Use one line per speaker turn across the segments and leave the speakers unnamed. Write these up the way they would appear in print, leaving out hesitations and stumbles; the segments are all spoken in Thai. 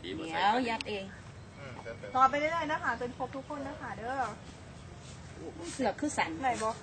ดี
เดี๋ยวยัดเอง
ต่อไปเรื่อยๆนะคะจนครบทุกคนนะคะเด้อ
เสือกคือสัน
ไหนบอก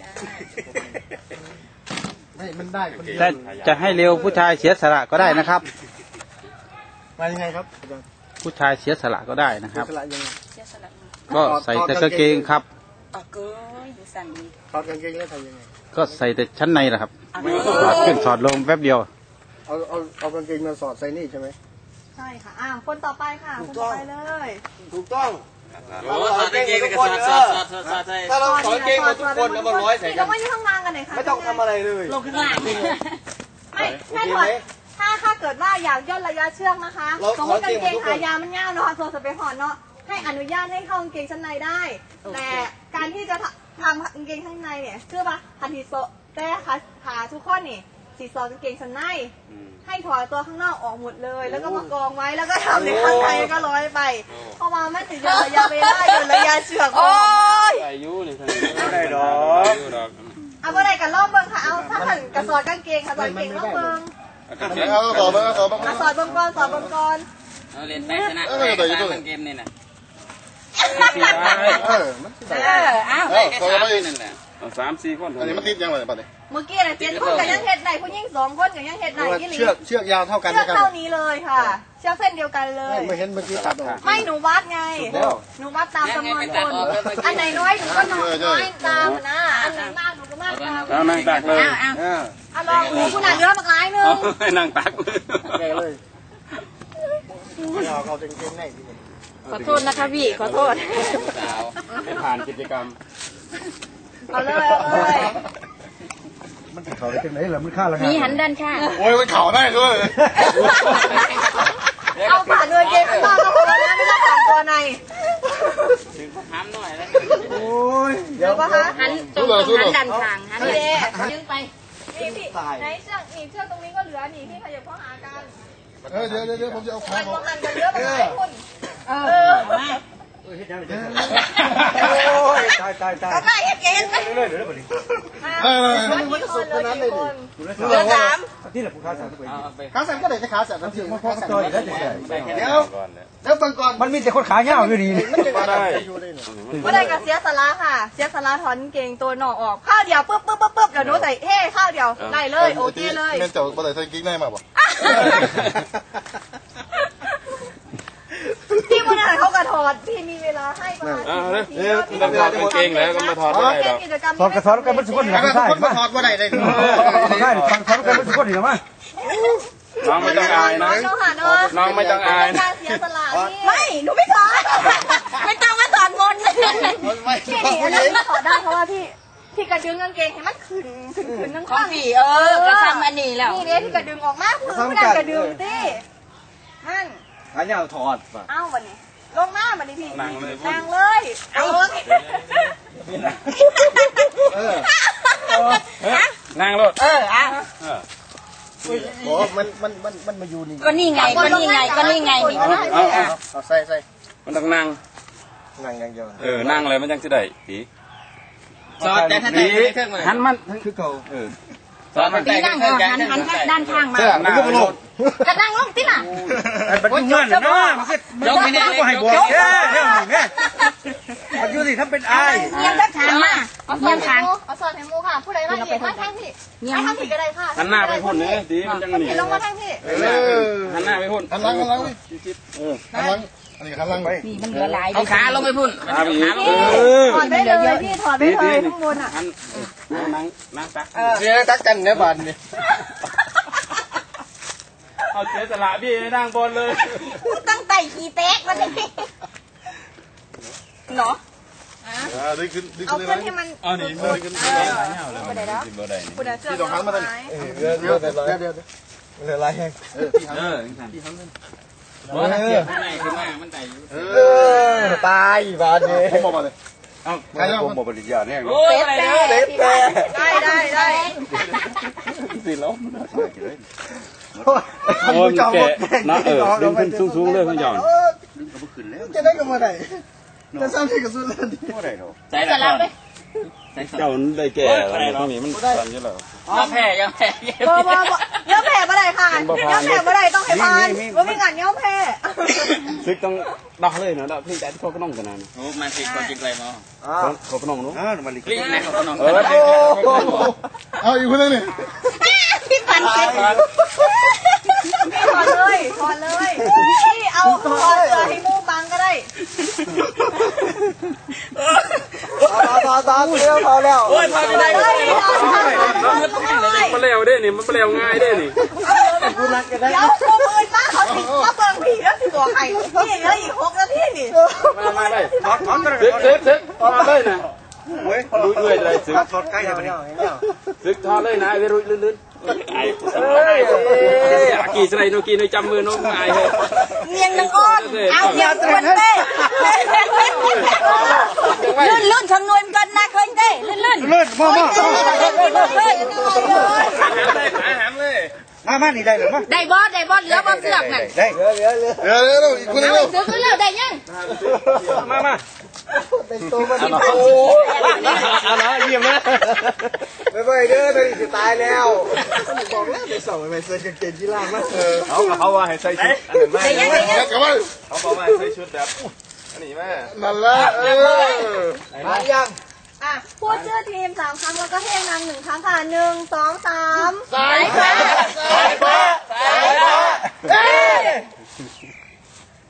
ไม่มันได้คนเดียว
แต่จะให้เร็วผู้ชายเสียสละก็ได้นะครับ
มายังไงครับ
ผู้ชายเสียสละก็ได้นะครับ
สละยังไง
เสียสละ
ก็ใส่แต่กางเกงครับ
เอาเกยดูสันดี
ถอดกางเกงแล้วทำยังไง
ก็ใส่แต่ชั้นในแหละครับถอดขึ้นถอดลงแป๊บเดียว
เอากางเกงมาสอดใส่นี่ใช่ไหม
ใช่ค่ะคนต่อไปค่ะคนต่อไปเลย
ถูกต้อง
โอ้ถอดกางเกงกับสอดใส่
ถ้าเราถอดกางเกงมาทุกคนเอามาร้อยใส่กั
เรา
น
ไม่ต้องวางกันไหนคะ
ไม่ต้องทำอะไรเลย
ลงข้างล่าง
ไม่แค่ถอดถ้าเกิดว่าอยากย่นระยะเชือกนะคะสมมติกางเกงขายาวมันเงาเนาะตัวสเปรย์หอนเนาะให้อนุญาตให้เข้ากางเกงชั้นในได้ แต่การที่จะทำกางเกงชั้นในเนี่ยเชื่อปะทันทีโซแต่ขาทุกข้อนี่สีซอกางเกงชั้นในให้ถอดตัวข้างนอกออกหมดเลย แล้วก็มากองไว้แล้วก็ทำในข้างในก็ร้อยไปเพราะว่ามันถึงย่นระยะเวลาย่นระยะเชือกโอ้ย
ใส่ยูนี่
ไม่ได้ดอก
เอาอะไรกันรอบเบิ้งค่ะเอาถ้าหันกระสอบกางเกงค่ะสอดเกงรอบเบิ้ง
เอาต่อไปต่อไป
สอดเบิ้งก่อนสอดเบิ้งก่อน
เอาเล่นไปชนะเกมนี่นะ
มัน
อ้าว
นั่นแหละ
3-4 คนอันนี้มันติดยังไงบ้างเนี่ย
เมื่อกี้น่ะ7 คนกับยังเห็ดไหนผู้หญิง2 คนกับยังเห็ดไหนยี่หลี
เชือกยาวเท่ากัน
เชือก
นะครับ
เท่านี้เลยค่ะเชือกเส้นเดียวกันเลย
ไม่เห็นเมื่อกี้ตัดออก
ไม่หนูวัดไงหนูวัดตามจำนวนคนอันไหนน้อยหนูก็น้อยตามนะอันไหนมากหนูก็มากตาม
เอานั่งตักเลย
เอาลองหนูคุณอ่านเยอะมากหลายนึง
ให้นั่งตัก
แกเลยเอากางเกงใน
ขอโทษนะคะพี่ขอโทษ
สาว
ให้ผ่านกิจกรรม
เอาเลยเอาเลย
มันเขาได้จังไหนล่ะมันค่าละ
มีหันด้านข้าง
โอ้ยมันเข่าได้ด้วย
เอาผ่านเลยเกมไม่ต้องเอาคนละไม่ต้องผ่านตัวใน
ถึงห้ามหน่อยแล้ว
โอ้ย
เดี๋ยวปะคะ
หันตรงหันด้านข้างหัน
พี่
เล
เด
ย
ดึงไปนี่พี่ไหนเชือกนี่เชือกตรงนี้ก็เหลือนี่พี่ขยับเข้าหากัน
เดี๋ยวผมจะเอาขา
มัน
ออก
หันกันเยอะไปหลายคน
เออมา
โอ้ยตาย
เอาไปเกมไป
เรื่อยๆเดี๋ยวเดี๋ยว
มันสุดขนาดเลยคน
เหลือ3ที่เหลือผู้ค้าสามตัว
ขาสั่นก็ได้ขาสั่นน้ำเสียง
มันพอกับตัวอยู่แล้วจังไง
เดี๋ยวฟังก่อน
มันมีแต่คนขาเงาอยู่ดี
มันจะได้
ก็ได้กับเสียสาระค่ะเสียสาระถอนเกงตัวหนอกออกข้าวเดียวปึ๊บเดี๋ยวหนูใส่เฮ้ข้าวเดียวได้เลยโอเคเลย
แม่เจ้าบ่ได้ใส่กิ๊กได้มาบ่
พี่บุญหารเขากระถอดพี่มีเวลาให้ประมาณ10 นาที
ต้องถอดกางเกงแล้วก็มาถอดได้ดอก
กิจกรรม
ถอดกระสอบกันมันสุกคนหรือไม่ใช่
มาถอดบ่ได้เลย
ใช่ถอดกันมันสุกคนหรือไม่
น้องไม่ต้องอายนะ น้องไม่ต้องอายนะ
เสียสละไม่หนูไม่ถอด
ไม่ต้องมาถอนมนต์
พี่อันนี้ถอดได้เพราะว่าพี่กระดึงกางเกงให้มันขึ้นทั้ง
ของ
ข้าง
พี่กระทำอันนี้แล้ว
นี่เนี่ยที่กระดึงออกมาคือไม่ได้กระดึงสินั่น
ขาเงาถอดป่ะ
เอ้าวันนี้ลงหน้าวันนี้พี่
นั่งเลย
นั่งเลยเอา
นั่งรถ
อ่ะ
โอ้มันมาอยู่นี่
ก็นี่ไงนี่
เอาใส่
มันต้องนั่ง
นั่งอย่างเดียว
นั่งเลยมันยังจะได้ผี
สอดแต่ถ้าแต่เครื่องมัน
หันมัน
คือเก่า
สอดแต่
ตีนั่งหันด้านข้างมา
นั่งก็ลง
จะนั่งลงที่ล่ะ
มันยุ่งเงินนะมันก็ไม่ให้บวกเนี่ยมันอยู่สิถ้าเป็นไอ้
เงียบด้านข้างมาเงียบข้าง
เอาสอนให้มูค่ะผู้ใดมาอีกมาทางพี่ให้ทางพี่ก็ได้ค่ะ
หันหน้าไปพุ่นเนี่ยดีมันจังนี่
พี่ลงมาทางพี่
หันหน้าไปพุ่นหันหลังหันหลังหันหลังอันนี้หันหลังไป
นี่มันเหลือหลาย
เอาขาลงไปพุ่น
ขาไปอีก
ถอดได้เลยพี่ถอดได้เลยข้างบนอ่ะ
นั่งตัก
เนี่ยตักกันเนี่ยบ้านนี่
เอาเสียสละพี่นั่งบนเลย
ตั้งไต่ขี่เต๊กมาเลยเนาะ
ดึงขึ้นดึง
เอา
ขึ้น
ขึ้นให้มัน
อ๋อนี่ดึงขึ้น
ผู้ใดแล้วผู้ใดเชื่อ
ที่ต้องหันมาได้
เดี๋ยวเหลืออะไรแห้ง
มันไต่อยู่
ตายบ้านนี่
ผมบอกมาเลย
ผมบอกปริญญาเนี่ย
โอ้ยอะไรเนี่ย
ได้
สิแล้ว
โอ้ยแกนะ
ดึงขึ้นสูงๆเลยพี่หย่อน
จะได้กันมาไหนจะสร้างที่กับสุดเลยไม่ได้หรอ
ใส่แต่เราไป
เจ้าได้แก่อะไรตรงนี้มันสั่นอยู่แล้ว
ยังแพ้ยังแพ้
บ่เย้าแผ่บ่ได้ค่ะเย้าแผ่บ่ได้ต้องให้พานว่ามีงานเย้าแผ่
ซึกต้องดอกเลยเนาะดอกพี่แต่เขาก็น้องกันนะ
โอ้มาสิคนจิกเลยมั้ง
เขาก็น้องนู้น
มาลิก
กลิ้งนะเขาก็นอน
เอาอีกคนนึงนี่
พี่ปันเก็บ
พี่ถอดเลยพี่เอาถอดเสื้อให้มูบังก็ได้
ตาเลี้ยวพอแล้ว
โอ้ยพอไม่ได้เลย
มันเร็วได้นี่มันเร็วง่ายได้นี่
เดี๋ยวกูมือป้าเขาติดมาเบิ่งผีแล้วสิตัวไข่นี่เหลืออีก6 นาทีนี่
มาเลย
ถอดกัน
ซึกมาเลยนะ
เว้ย
ลุยเลยเลยซึก
ถอดใกล้เลย
ซึกทอเลยนะไปลุยลื่นกี่สไลด์โนกีโนจำมือโนง่ายเลย
เนียงนางอ้อนเอาเนียงคนเต้ลื่นคำนวณกันนะเคยเต้ลื่น
เลื่อนมา
อาหารเลย
มานี่ได้หรือมั้ย
ได้บอสเหลือบอสเสือกนั่น
ได้
เร็วอีกคนนึงเร็ว
ซื้อกันแล้วได้ยัง
มา
เอาละเยี่ยมนะ
ไม่ไปเด้อตอนนี้จะตายแล้วบอกแล้วไปส่งไปใส่กางเกงกีฬามา
เขาว่าให้ใส่ชุดอันนั้นมา
ได้ยัง
กลับมา
เขาบอกว่าใส่ชุดแบบอันนี้มา
นั่นละ
มายัง
อ่ะพูดชื่อทีม3 ครั้งแล้วก็ให้นาง1 ครั้งค่ะ1 2 3
สายฟ้า
เอ้